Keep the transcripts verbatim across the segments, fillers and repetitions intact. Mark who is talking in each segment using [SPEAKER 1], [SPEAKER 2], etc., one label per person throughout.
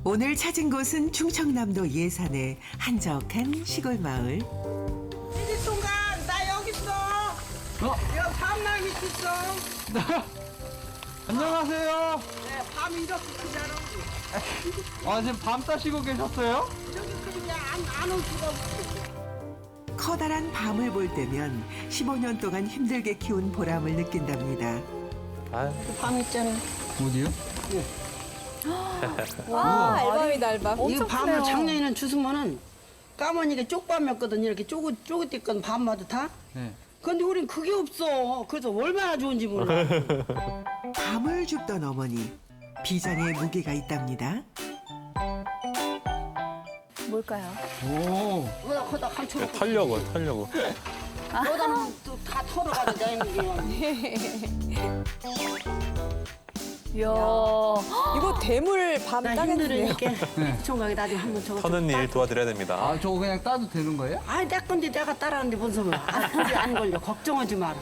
[SPEAKER 1] 오늘 찾은 곳은 충청남도 예산의 한적한 시골 마을.
[SPEAKER 2] 이리 순간 나 여기 있어.
[SPEAKER 3] 어?
[SPEAKER 2] 여기 밤나 밑에 있어.
[SPEAKER 3] 안녕하세요.
[SPEAKER 2] 네, 밤 이렇게 크잖아.
[SPEAKER 3] 아, 지금 밤 따시고 계셨어요?
[SPEAKER 2] 저기 그냥 안올 수가 없어.
[SPEAKER 1] 커다란 밤을 볼 때면 십오 년 동안 힘들게 키운 보람을 느낀답니다.
[SPEAKER 2] 밤 있잖아.
[SPEAKER 3] 어디요?
[SPEAKER 4] 와, 알밤이다, 알밤.
[SPEAKER 2] 이
[SPEAKER 4] 엄청
[SPEAKER 2] 밤을
[SPEAKER 4] 크네요.
[SPEAKER 2] 작년에는 주스면은 까마니까 쪽밤이었거든. 이렇게 쪼그 쪼그띠건 밤마다 다.
[SPEAKER 3] 네.
[SPEAKER 2] 근데 우린 그게 없어. 그래서 얼마나 좋은지 몰라.
[SPEAKER 1] 밤을 줍던 어머니. 비장의 무게가 있답니다.
[SPEAKER 4] 뭘까요?
[SPEAKER 3] 오.
[SPEAKER 2] 거다 거다 감춰.
[SPEAKER 5] 타려고 타려고.
[SPEAKER 2] 거다는 또 다 털어가지고 다니는 게.
[SPEAKER 4] 이야, 이거 대물 밤
[SPEAKER 2] 나
[SPEAKER 4] 따겠는데요?
[SPEAKER 2] 힘들으니까 총각이 나중에 한번 저거.
[SPEAKER 5] 터는 일 도와드려야 됩니다.
[SPEAKER 3] 아, 저거 그냥 따도 되는 거예요?
[SPEAKER 2] 아, 내 건데 내가 따라하는데 뭔 소리야. 아, 그게 안 걸려. 걱정하지 마라.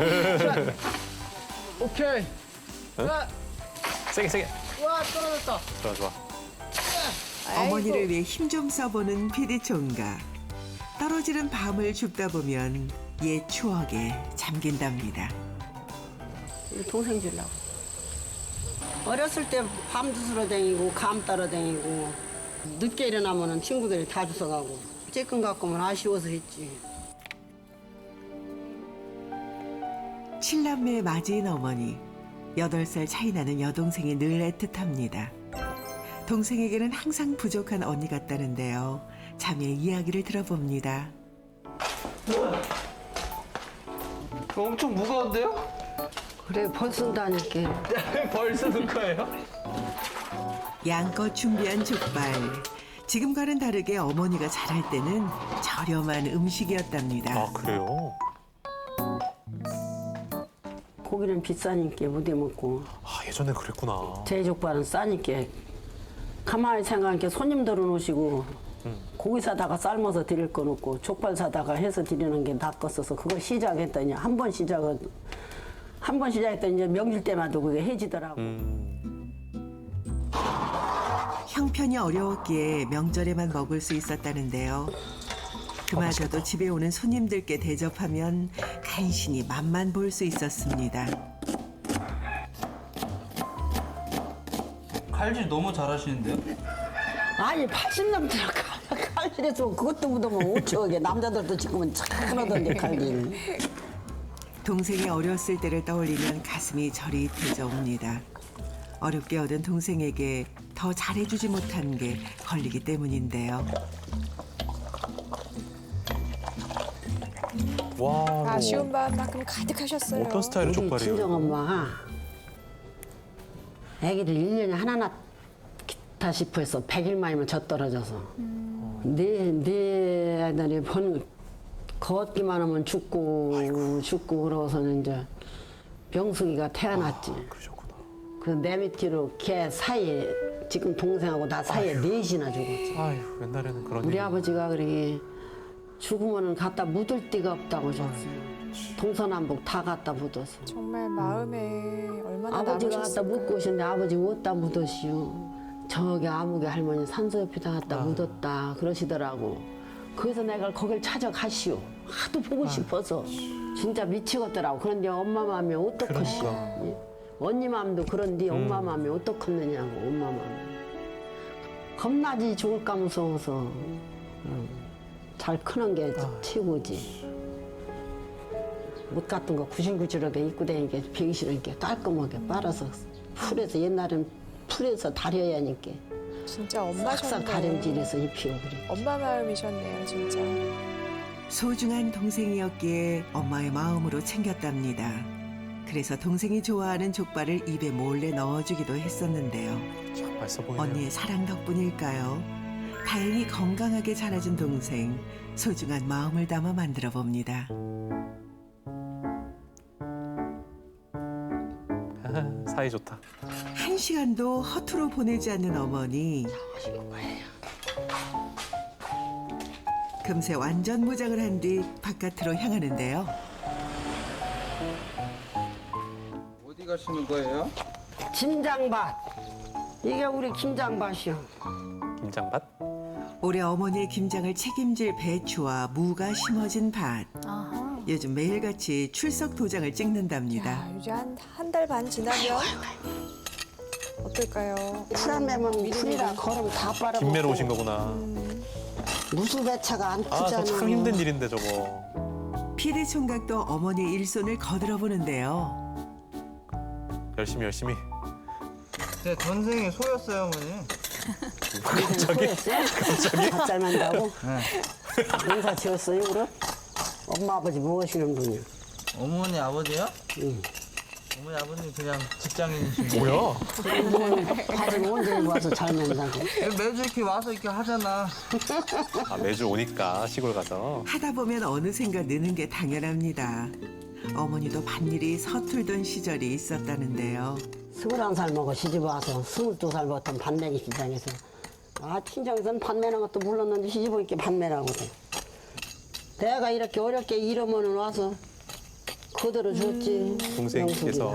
[SPEAKER 3] 오케이. 와,
[SPEAKER 5] 세게 세게.
[SPEAKER 3] 와, 떨어졌다.
[SPEAKER 5] 좋아 좋아.
[SPEAKER 1] 어머니를 위해 힘 좀 써보는 피디 총각. 떨어지는 밤을 줍다 보면 옛 추억에 잠긴답니다.
[SPEAKER 2] 우리 동생 주려고. 어렸을 때 밤 주스러 다니고 감 따러 다니고 늦게 일어나면 친구들이 다 주워가고 쬐끔 갖고면 아쉬워서 했지.
[SPEAKER 1] 칠남매 맞이인 어머니. 여덟 살 차이 나는 여동생이 늘 애틋합니다. 동생에게는 항상 부족한 언니 같다는데요. 자매 이야기를 들어봅니다.
[SPEAKER 3] 이거 엄청 무거운데요?
[SPEAKER 2] 그래 벌 쓴다니까.
[SPEAKER 3] 벌 쓰는 거예요?
[SPEAKER 1] 양껏 준비한 족발. 지금과는 다르게 어머니가 잘할 때는 저렴한 음식이었답니다.
[SPEAKER 5] 아 그래요?
[SPEAKER 2] 고기는 비싸니까 못 해먹고
[SPEAKER 5] 아 예전에 그랬구나.
[SPEAKER 2] 제족발은 싸니까 가만히 생각하니까 손님들은 오시고 고기 사다가 삶아서 드릴 건 없고 족발 사다가 해서 드리는 게 낫겠어서 그걸 시작했더니 한 번 시작은 한 번 시작했더니 이제 명절 때마다 그게 해지더라고.
[SPEAKER 5] 음,
[SPEAKER 1] 형편이 어려웠기에 명절에만 먹을 수 있었다는데요. 그마저도 집에 오는 손님들께 대접하면 간신히 맛만 볼 수 있었습니다.
[SPEAKER 3] 칼질 너무 잘하시는데요?
[SPEAKER 2] 아니 팔십 넘더라 칼질해서 그것도 묻으면 오천억에 남자들도 지금은 착하던데 칼질.
[SPEAKER 1] 동생이 어렸을 때를 떠올리면 가슴이 저릿해져 옵니다. 어렵게 얻은 동생에게 더 잘해주지 못한 게 걸리기 때문인데요.
[SPEAKER 5] 와.
[SPEAKER 4] 아쉬운 밤만큼 가득하셨어요.
[SPEAKER 5] 어떤 스타일의
[SPEAKER 2] 우리
[SPEAKER 5] 족발이에요?
[SPEAKER 2] 친정엄마가 아기를 일 년에 하나 낳다 싶어 해서 백 일 만이면 젖 떨어져서 내, 내 아들이 번 걷기만 하면 죽고 죽고 그러고서는 이제 병숙이가 태어났지.
[SPEAKER 5] 그러셨구나.
[SPEAKER 2] 그 내 밑으로 걔 사이에 지금 동생하고 나 사이에 넷이나 죽었지.
[SPEAKER 5] 아유 옛날에는 그런
[SPEAKER 2] 우리
[SPEAKER 5] 일이.
[SPEAKER 2] 아버지가 그러게 죽으면 갖다 묻을 데가 없다고 하셨어요. 동서남북 다 갖다 묻었어.
[SPEAKER 4] 정말 마음에 얼마나
[SPEAKER 2] 아버지가 갖다
[SPEAKER 4] 남으셨을까.
[SPEAKER 2] 묻고 오셨는데 아버지 어디다 묻었시오. 저기 아무개 할머니 산소 옆에다 갖다 묻었다 그러시더라고. 그래서 내가 거길 찾아가시오. 하도 보고 싶어서 진짜 미치겠더라고. 그런데 엄마 마음이 어떡하시오.
[SPEAKER 5] 그러니까.
[SPEAKER 2] 예? 언니 마음도 그런데 엄마 마음이 어떡하느냐고 엄마 마음. 겁나지 죽을까 무서워서 응. 잘 크는 게 최고지. 옷 같은 거 구질구질하게 입고 다니니까 배기 싫으니까 깔끔하게 빨아서 풀에서 옛날엔 풀에서 다려야 하니까
[SPEAKER 4] 진짜
[SPEAKER 2] 싹싹
[SPEAKER 4] 엄마셨네요.
[SPEAKER 2] 다림질해서 입히고 그래.
[SPEAKER 4] 엄마 마음이셨네요, 진짜.
[SPEAKER 1] 소중한 동생이었기에 엄마의 마음으로 챙겼답니다. 그래서 동생이 좋아하는 족발을 입에 몰래 넣어주기도 했었는데요.
[SPEAKER 5] 참 맛있어 보이네요.
[SPEAKER 1] 언니의 사랑 덕분일까요? 다행히 건강하게 자라준 동생, 소중한 마음을 담아 만들어 봅니다.
[SPEAKER 5] 아, 사이 좋다.
[SPEAKER 1] 한 시간도 허투루 보내지 않는 어머니. 금세 완전 무장을 한 뒤 바깥으로 향하는데요.
[SPEAKER 3] 어디 가시는 거예요?
[SPEAKER 2] 짐장밭 이게 우리 김장밭이요.
[SPEAKER 5] 김장밭?
[SPEAKER 1] 올해 어머니의 김장을 책임질 배추와 무가 심어진 밭.
[SPEAKER 6] 아하.
[SPEAKER 1] 요즘 매일같이 출석 도장을 찍는답니다.
[SPEAKER 4] 야, 이제 한 한 달 반 지나면 어떨까요?
[SPEAKER 2] 풀안 매면 풀이라 걸음 다 빨아먹고.
[SPEAKER 5] 김매로 오신 거구나.
[SPEAKER 2] 무수배차가 안
[SPEAKER 5] 아,
[SPEAKER 2] 크잖아.
[SPEAKER 5] 저 참 힘든 일인데 저거.
[SPEAKER 1] 피디 총각도 어머니의 일손을 거들어 보는데요.
[SPEAKER 5] 열심히 열심히.
[SPEAKER 3] 제 전생에 소였어요, 어머니.
[SPEAKER 5] 갑자기?
[SPEAKER 2] 밥 잘 만다고?
[SPEAKER 3] 네.
[SPEAKER 2] 농사 지었어요, 그럼? 엄마, 아버지 뭐 하시는 분이야?
[SPEAKER 3] 어머니 아버지요?
[SPEAKER 2] 응.
[SPEAKER 3] 어머니 아버님 그냥 직장인이신데.
[SPEAKER 5] 뭐야?
[SPEAKER 2] 밭을 언제 와서 잘 만다고?
[SPEAKER 3] 매주 이렇게 와서 이렇게 하잖아.
[SPEAKER 5] 아, 매주 오니까 시골 가서.
[SPEAKER 1] 하다 보면 어느샌가 느는 게 당연합니다. 어머니도 밭일이 서툴던 시절이 있었다는데요.
[SPEAKER 2] 스물한 살 먹어 시집 와서 스물두 살 먹던 밭매기 시장에서 아 친정에서는 밭매는 것도 몰랐는데 시집 오니까 밭매라거든. 내가 이렇게 어렵게 이러면은 와서 그대로 줬지.
[SPEAKER 5] 동생께서.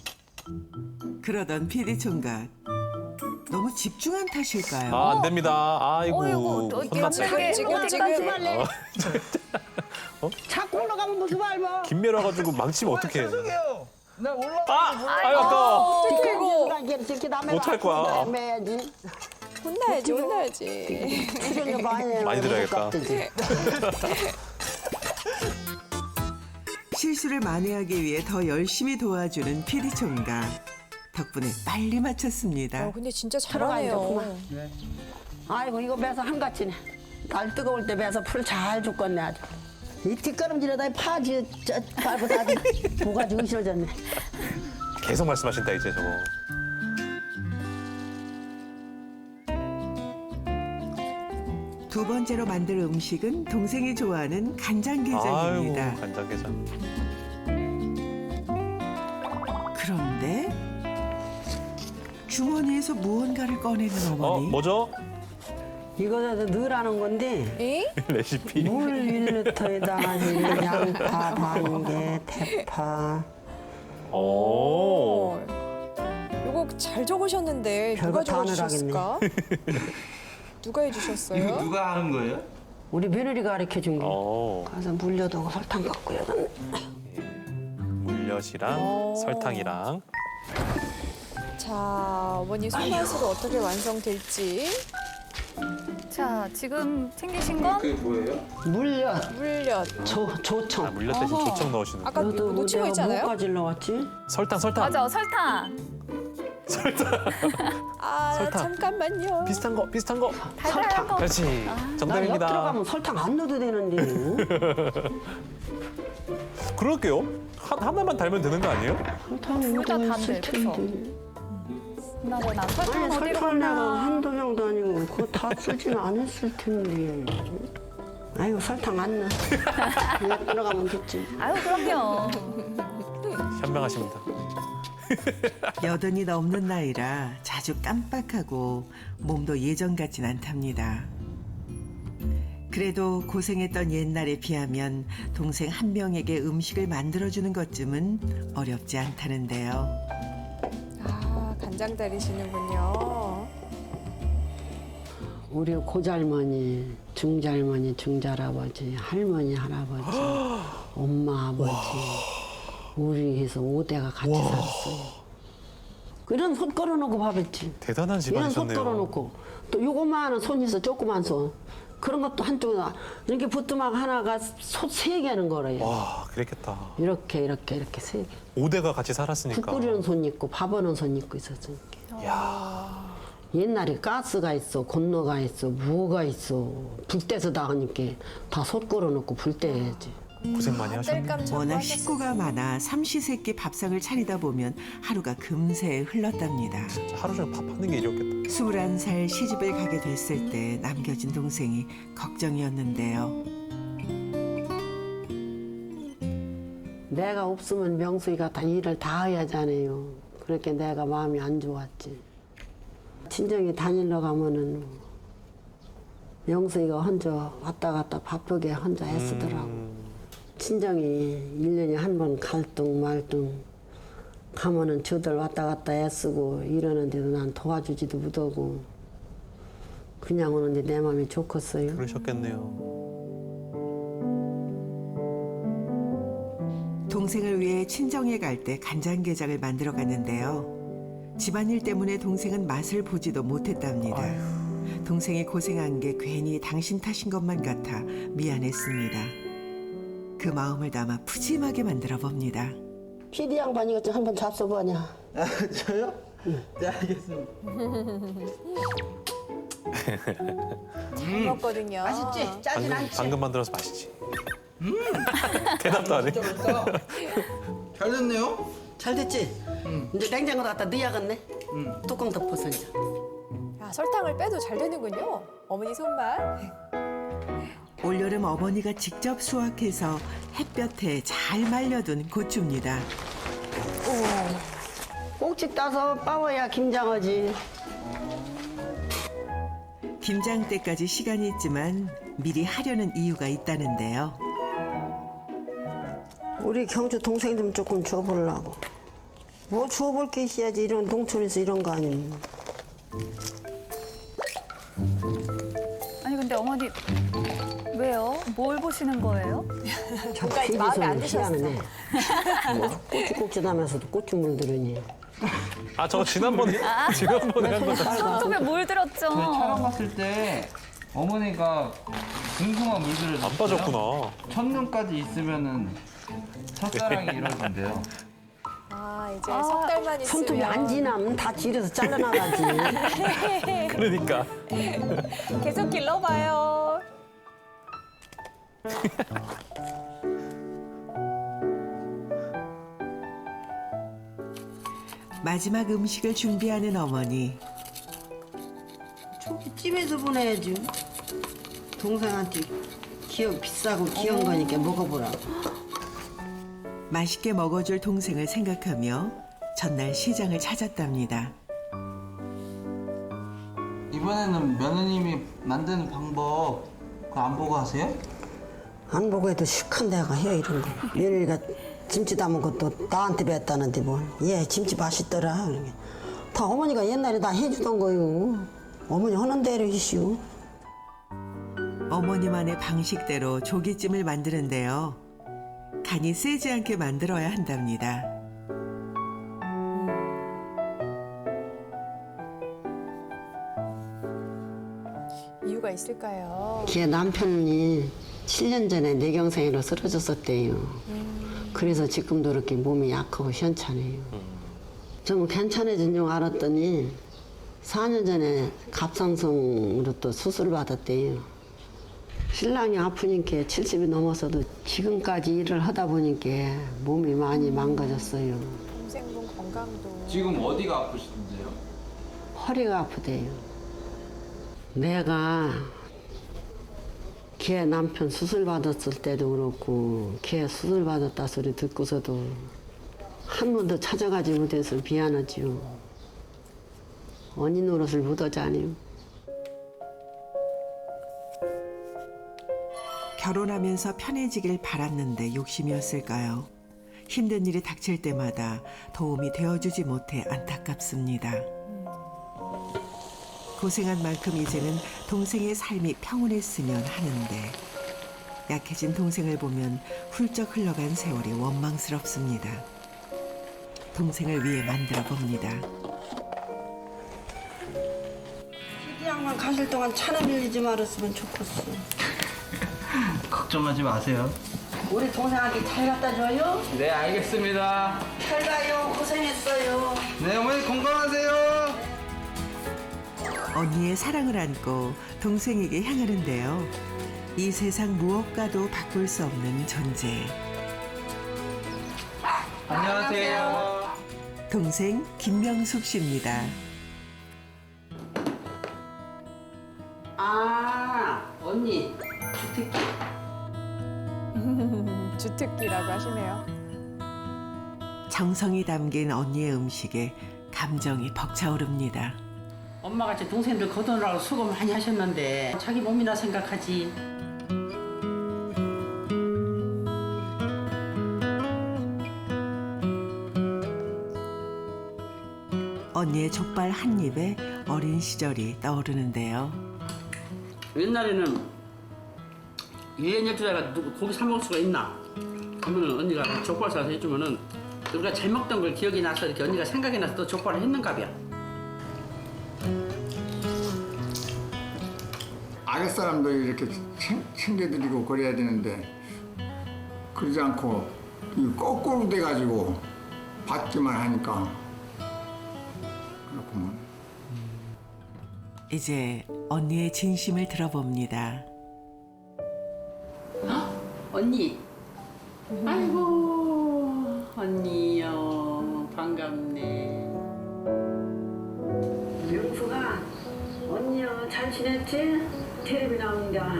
[SPEAKER 1] 그러던 피디 총각. 너무 집중한 탓일까요?
[SPEAKER 5] 아, 안 됩니다. 아이고.
[SPEAKER 6] 어이구, 또 이렇게
[SPEAKER 5] 혼났네.
[SPEAKER 6] 갑자기
[SPEAKER 4] 지금,
[SPEAKER 6] 어디까지
[SPEAKER 4] 지금.
[SPEAKER 6] 말래?
[SPEAKER 2] 자꾸 올라가면 무슨 밟아.
[SPEAKER 5] 김매로 와가지고 망치면 어떡해.
[SPEAKER 3] 죄송해요. 나 올라가.
[SPEAKER 5] 아! 아유, 아까워.
[SPEAKER 2] 이거
[SPEAKER 5] 어떡할 거야?
[SPEAKER 2] 매야지.
[SPEAKER 4] 혼나야지, 혼나야지.
[SPEAKER 2] 출연료 많이 내는
[SPEAKER 5] 많이 들어야겠다.
[SPEAKER 1] 실수를 만회하기 위해 더 열심히 도와주는 피디 총각. 덕분에 빨리 마쳤습니다.
[SPEAKER 4] 어, 근데 진짜
[SPEAKER 2] 들어가야
[SPEAKER 4] 잘하네요.
[SPEAKER 2] 되겠구만. 아이고 이거 매서 한가치네. 날 뜨거울 때 매서 풀 잘 줬겠네 아주. 이 뒷걸음질에다 파지 저 밟고 다 뭐가지고 으실어졌네.
[SPEAKER 5] 계속 말씀하신다, 이제 저거.
[SPEAKER 1] 두 번째로 만들 음식은 동생이 좋아하는 간장게장입니다.
[SPEAKER 5] 아이고, 간장게장.
[SPEAKER 1] 그런데 주머니에서 무언가를 꺼내는
[SPEAKER 5] 어,
[SPEAKER 1] 어머니.
[SPEAKER 5] 뭐죠?
[SPEAKER 2] 이거는 늘 하는 건데
[SPEAKER 4] 에?
[SPEAKER 5] 레시피.
[SPEAKER 2] 물 일 리터에다가 양파, 반개, 대파.
[SPEAKER 5] 오.
[SPEAKER 4] 이거 잘 적으셨는데
[SPEAKER 2] 별거
[SPEAKER 4] 누가
[SPEAKER 2] 다
[SPEAKER 4] 적어주셨을까? 누가
[SPEAKER 3] 이거
[SPEAKER 4] 해주셨어요?
[SPEAKER 3] 누가 하는 거예요?
[SPEAKER 2] 우리 며느리가 가르쳐 준 거.
[SPEAKER 5] 오.
[SPEAKER 2] 가서 물엿하고 설탕 갖고 여기.
[SPEAKER 5] 물엿이랑
[SPEAKER 4] 오.
[SPEAKER 5] 설탕이랑.
[SPEAKER 4] 자, 어머니 손맛으로 어떻게 완성될지.
[SPEAKER 6] 자, 지금 챙기신 건
[SPEAKER 3] 그게 뭐예요?
[SPEAKER 2] 물엿,
[SPEAKER 4] 물엿.
[SPEAKER 2] 조,
[SPEAKER 5] 아,
[SPEAKER 2] 조청.
[SPEAKER 5] 물엿 대신
[SPEAKER 6] 어허.
[SPEAKER 5] 조청 넣으시는.
[SPEAKER 4] 아까
[SPEAKER 2] 너도
[SPEAKER 4] 놓친 거
[SPEAKER 2] 내가
[SPEAKER 4] 있잖아요?
[SPEAKER 2] 뭐까지 넣었지?
[SPEAKER 5] 설탕, 설탕.
[SPEAKER 6] 맞아, 설탕.
[SPEAKER 4] 아,
[SPEAKER 5] 설탕.
[SPEAKER 4] 잠깐만요.
[SPEAKER 5] 비슷한 거, 비슷한 거.
[SPEAKER 6] 달달한 거.
[SPEAKER 5] 그렇지.
[SPEAKER 2] 나옆
[SPEAKER 5] 정답입니다.
[SPEAKER 2] 들어가면 설탕 안 넣어도 되는데.
[SPEAKER 5] 그럴게요. 한, 하나만 달면 되는 거 아니에요?
[SPEAKER 2] 설탕이
[SPEAKER 6] 둘다
[SPEAKER 2] 어디
[SPEAKER 6] 단데,
[SPEAKER 2] 있을
[SPEAKER 6] 그쵸?
[SPEAKER 2] 텐데.
[SPEAKER 6] 나보나 설탕
[SPEAKER 2] 아니
[SPEAKER 6] 어디로
[SPEAKER 2] 설탕 내가
[SPEAKER 6] 갔나?
[SPEAKER 2] 한두 명도 아니고 그거 다 쓰지는 않았을 텐데. 아이고 설탕 안 넣어. 그냥 들어가면 됐지.
[SPEAKER 6] 아유, 그럼요.
[SPEAKER 5] 현명하십니다.
[SPEAKER 1] 여든이 넘는 나이라 자주 깜빡하고 몸도 예전 같진 않답니다. 그래도 고생했던 옛날에 비하면 동생 한 명에게 음식을 만들어주는 것쯤은 어렵지 않다는데요.
[SPEAKER 4] 아, 간장 다리시는군요.
[SPEAKER 2] 우리 고잘머니, 중잘머니, 중잘아버지, 할머니, 할아버지, 엄마, 아버지, 우리 해서 오 대가 같이 살았어요. 이런 손 걸어놓고 밥했지.
[SPEAKER 5] 대단한
[SPEAKER 2] 이런 손
[SPEAKER 5] 집안이셨네요.
[SPEAKER 2] 걸어놓고 또 요거만한 손 있어, 조그만 손. 그런 것도 한쪽에 이렇게 부뚜막 하나가 손 세 개 하는 거래요.
[SPEAKER 5] 와, 그랬겠다.
[SPEAKER 2] 이렇게 이렇게 이렇게 세 개.
[SPEAKER 5] 오 대가 같이
[SPEAKER 2] 국
[SPEAKER 5] 살았으니까.
[SPEAKER 2] 끓이는 손 있고 밥 하는 손 있고 있었으니까.
[SPEAKER 5] 야,
[SPEAKER 2] 옛날에 가스가 있어, 건너가 있어, 뭐가 있어. 불 떼서 다 하니까 다 솥 걸어놓고 불 떼야지.
[SPEAKER 5] 고생 많이 하셨네.
[SPEAKER 4] 뗄감 참
[SPEAKER 1] 워낙
[SPEAKER 4] 하셨어요.
[SPEAKER 1] 식구가 많아 삼시세끼 밥상을 차리다 보면 하루가 금세 흘렀답니다.
[SPEAKER 5] 하루 종일 밥 하는 게 일이었겠다.
[SPEAKER 1] 스물한 살 시집을 가게 됐을 때 남겨진 동생이 걱정이었는데요.
[SPEAKER 2] 내가 없으면 명수이가 다 일을 다 해야 하잖아요. 그렇게 내가 마음이 안 좋았지. 친정에 다니러 가면은 명수이가 혼자 왔다 갔다 바쁘게 혼자 애쓰더라고. 친정이 일 년에 한 번 갈등 말등 가면은 저들 왔다 갔다 애쓰고 이러는데도 난 도와주지도 못하고 그냥 오는데 내 마음이 좋겠어요.
[SPEAKER 5] 그러셨겠네요.
[SPEAKER 1] 동생을 위해 친정에 갈 때 간장게장을 만들어 갔는데요. 집안일 때문에 동생은 맛을 보지도 못했답니다. 동생이 고생한 게 괜히 당신 탓인 것만 같아 미안했습니다. 그 마음을 담아 푸짐하게 만들어 봅니다.
[SPEAKER 2] 피디 양반 이것 좀 한번 잡숴보냐.
[SPEAKER 3] 아, 저요? 네, 알겠습니다.
[SPEAKER 4] 잘 먹거든요.
[SPEAKER 2] 맛있지? 짜진
[SPEAKER 5] 방금,
[SPEAKER 2] 않지?
[SPEAKER 5] 방금 만들어서 맛있지. 대답도 안 해.
[SPEAKER 3] 잘 됐네요.
[SPEAKER 2] 잘 됐지? 이제 냉장고에 갖다 넣어야겠네.
[SPEAKER 3] 음.
[SPEAKER 2] 뚜껑 덮어서 이제.
[SPEAKER 4] 야, 설탕을 빼도 잘 되는군요. 어머니 손맛.
[SPEAKER 1] 올여름 어머니가 직접 수확해서 햇볕에 잘 말려둔 고추입니다.
[SPEAKER 2] 꼭지 따서 빠워야 김장하지.
[SPEAKER 1] 김장 때까지 시간이 있지만 미리 하려는 이유가 있다는데요.
[SPEAKER 2] 우리 경주 동생 좀 조금 줘보려고. 뭐 줘볼 게 있어야지. 이런 농촌에서 이런 거 아니면.
[SPEAKER 6] 아니 근데 어머니 왜요? 뭘 보시는 거예요?
[SPEAKER 2] 참
[SPEAKER 4] 뭔가 이제 마음에 안 드셨어.
[SPEAKER 2] 희한하네. 뭐 고추 꼭지 나면서도 고추 물들으니.
[SPEAKER 5] 아 저거 지난번에 지난번에 한 거.
[SPEAKER 6] 손톱에 물 들었죠.
[SPEAKER 3] 저희 촬영 갔을 때 어머니가 궁금한 물들을
[SPEAKER 5] 안 빠졌구나.
[SPEAKER 3] 첫눈까지 있으면은 첫사랑이 이러던데요.
[SPEAKER 4] 아, 이제 석 달만 있으면.
[SPEAKER 2] 손톱이 안 지나면 다 지려서 잘라나가지.
[SPEAKER 5] 그러니까.
[SPEAKER 4] 계속 길러봐요.
[SPEAKER 1] 마지막 음식을 준비하는 어머니.
[SPEAKER 2] 저기 집에서 보내야지. 동생한테 기억 비싸고 귀여운 거니까 먹어보라고.
[SPEAKER 1] 맛있게 먹어줄 동생을 생각하며 전날 시장을 찾았답니다.
[SPEAKER 3] 이번에는 며느님이 만드는 방법 그거 안 보고 하세요?
[SPEAKER 2] 안 보고 해도 시큰 데가 해 이런 거. 며느리가 김치 담은 것도 나한테 뱉다는데 뭘. 얘 김치 맛있더라. 그러게. 다 어머니가 옛날에 다 해주던 거요. 어머니 하는 대로 이시오.
[SPEAKER 1] 어머니만의 방식대로 조기찜을 만드는데요. 간이 세지 않게 만들어야 한답니다.
[SPEAKER 4] 이유가 있을까요?
[SPEAKER 2] 걔 남편이 칠 년 전에 뇌경색으로 쓰러졌었대요. 그래서 지금도 이렇게 몸이 약하고 시원찮아요. 좀 괜찮아진 줄 알았더니 사 년 전에 갑상선으로 또 수술을 받았대요. 신랑이 아프니까 칠십이 넘어서도 지금까지 일을 하다 보니까 몸이 많이 망가졌어요.
[SPEAKER 4] 동생분 건강도.
[SPEAKER 3] 지금 어디가 아프신데요?
[SPEAKER 2] 허리가 아프대요. 내가 걔 남편 수술 받았을 때도 그렇고 걔 수술 받았다 소리 듣고서도 한 번도 찾아가지 못해서 미안하지요. 언니 노릇을 묻어자니요.
[SPEAKER 1] 결혼하면서 편해지길 바랐는데 욕심이었을까요? 힘든 일이 닥칠 때마다 도움이 되어주지 못해 안타깝습니다. 고생한 만큼 이제는 동생의 삶이 평온했으면 하는데 약해진 동생을 보면 훌쩍 흘러간 세월이 원망스럽습니다. 동생을 위해 만들어 봅니다.
[SPEAKER 2] 이 양반 가실 동안 차나 밀리지 말았으면 좋겠어.
[SPEAKER 3] 걱정하지 마세요.
[SPEAKER 2] 우리 동생한테 잘 갖다 줘요.
[SPEAKER 3] 네, 알겠습니다.
[SPEAKER 2] 잘 가요. 고생했어요.
[SPEAKER 3] 네, 어머니 건강하세요.
[SPEAKER 1] 언니의 사랑을 안고 동생에게 향하는데요. 이 세상 무엇과도 바꿀 수 없는 존재.
[SPEAKER 3] 안녕하세요.
[SPEAKER 1] 동생 김명숙 씨입니다.
[SPEAKER 2] 아, 언니. 주택기.
[SPEAKER 4] 주특기라고 하시네요.
[SPEAKER 1] 정성이 담긴 언니의 음식에 감정이 벅차오릅니다.
[SPEAKER 2] 엄마같이 동생들 거두느라고 수고 많이 하셨는데 자기 몸이나 생각하지.
[SPEAKER 1] 언니의 족발 한 입에 어린 시절이 떠오르는데요.
[SPEAKER 7] 옛날에는 일 년 열두달가 누구 고기 사 먹을 수가 있나? 그러면은 언니가 족발 사서 해주면은 우리가 잘 먹던 걸 기억이 나서 이렇게 언니가 생각이 나서 또 족발을 했는가봐요.
[SPEAKER 8] 아랫사람도 이렇게 챙, 챙겨드리고 그래야 되는데 그러지 않고 이 거꾸로 돼가지고 받기만 하니까 그렇구만.
[SPEAKER 1] 이제 언니의 진심을 들어봅니다.
[SPEAKER 7] 언니. 아이고 언니요 반갑네.
[SPEAKER 2] 영수가 언니야 잘 지냈지? 텔레비 나온다.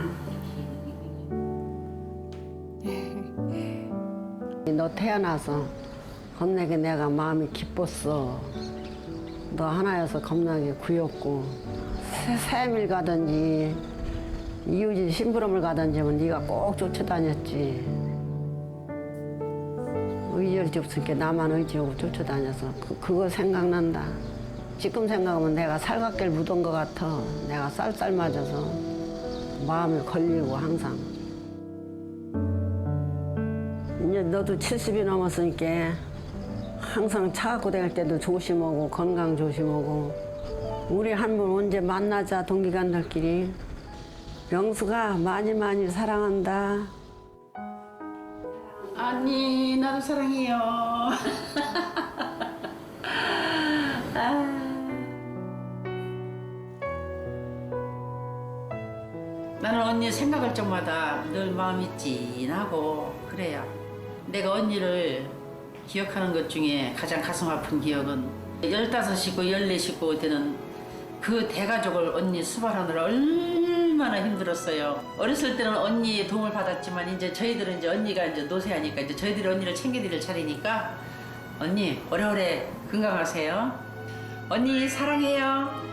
[SPEAKER 2] 너 태어나서 겁나게 내가 마음이 기뻤어. 너 하나여서 겁나게 구였고 새- 새밀 가든지 이웃이 심부름을 가든지 하면 네가 꼭 쫓아다녔지. 의지 없으니까 나만 의지하고 쫓아다녀서 그, 그거 생각난다. 지금 생각하면 내가 살갑게 묻은 것 같아. 내가 쌀쌀 맞아서 마음에 걸리고 항상. 이제 너도 칠십이 넘었으니까 항상 차 갖고 다닐 때도 조심하고 건강 조심하고 우리 한번 언제 만나자 동기간들끼리. 영수가 많이 많이 사랑한다.
[SPEAKER 7] 언니 나도 사랑해요. 아. 나는 언니 생각할 적마다 늘 마음이 찐하고 그래요. 내가 언니를 기억하는 것 중에 가장 가슴 아픈 기억은 열다섯 식구, 열네 식구 되는 그 대가족을 언니 수발하느라 얼마나 힘들었어요. 어렸을 때는 언니의 도움을 받았지만 이제 저희들은 이제 언니가 이제 노쇠하니까 이제 저희들이 언니를 챙겨드릴 차례니까 언니 오래오래 건강하세요. 언니 사랑해요.